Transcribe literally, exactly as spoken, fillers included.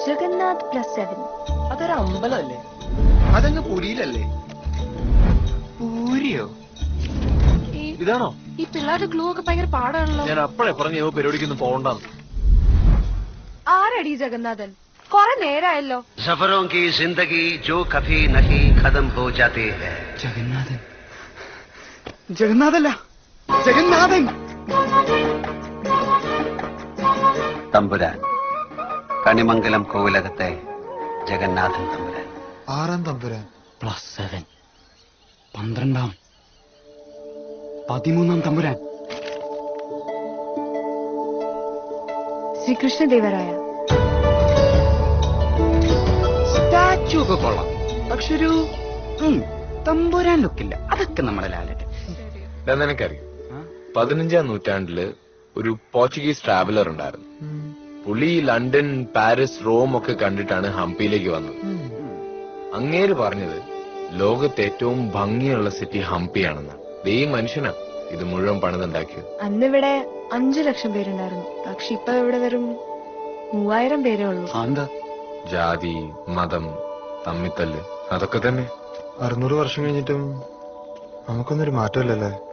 Jagannath plus seven. അതൊരു അമ്പലമല്ലേ? അതങ്ങ് പുരിയിലല്ലേ? പൂരിയോ? ഇതാണോ? ഈ പിള്ളേരുടെ ഗ്ലൂ ഒക്കെ ഭയങ്കര പാടാണല്ലോ. ഞാൻ അപ്പഴേ പറഞ്ഞു പരിപാടിക്കൊന്നും പോകണ്ടെന്ന്. ആരടി ജഗന്നാഥൻ? കൊറേ നേരായല്ലോ. സഫറോं की जिंदगी जो कभी नहीं खत्म हो जाती है. ജഗന്നാഥൻ. ജഗന്നാഥല്ല, ജഗന്നാഥൻ. തമ്പുരാൻ, കണിമംഗലം കോവിലകത്തെ ജഗന്നാഥൻ തമ്പുരാൻ. ആറാം തമ്പുരാൻ. Plus seven. പന്ത്രണ്ടാം പതിമൂന്നാം തമ്പുരാൻ. ശ്രീകൃഷ്ണദേവരായ. സ്റ്റാച്ചു ഒക്കെ കൊള്ളാം, പക്ഷെ ഒരു തമ്പുരാൻ ലുക്കില്ല. അതൊക്കെ നമ്മുടെ ലാലറ്റ്. നിനക്കറിയാം, പതിനഞ്ചാം നൂറ്റാണ്ടില് ഒരു പോർച്ചുഗീസ് ട്രാവലർ ഉണ്ടായിരുന്നു. പുള്ളി ലണ്ടൻ, പാരീസ്, റോം ഒക്കെ കണ്ടിട്ടാണ് ഹംപിയിലേക്ക് വന്നത്. അങ്ങേര് പറഞ്ഞത് ലോകത്തെ ഏറ്റവും ഭംഗിയുള്ള സിറ്റി ഹംപിയാണെന്ന്. ഈ മനുഷ്യനാ ഇത് മുഴുവൻ പണിതുണ്ടാക്കിയത്. അന്നിവിടെ അഞ്ചു ലക്ഷം പേരുണ്ടായിരുന്നു, പക്ഷെ ഇപ്പൊ ഇവിടെ വെറും മൂവായിരം പേരേ ഉള്ളൂ. ജാതി, മതം, തമ്മിത്തല്ല്, അതൊക്കെ തന്നെ. അറുന്നൂറ് വർഷം കഴിഞ്ഞിട്ടും നമുക്കൊന്നൊരു മാറ്റമില്ലല്ലേ?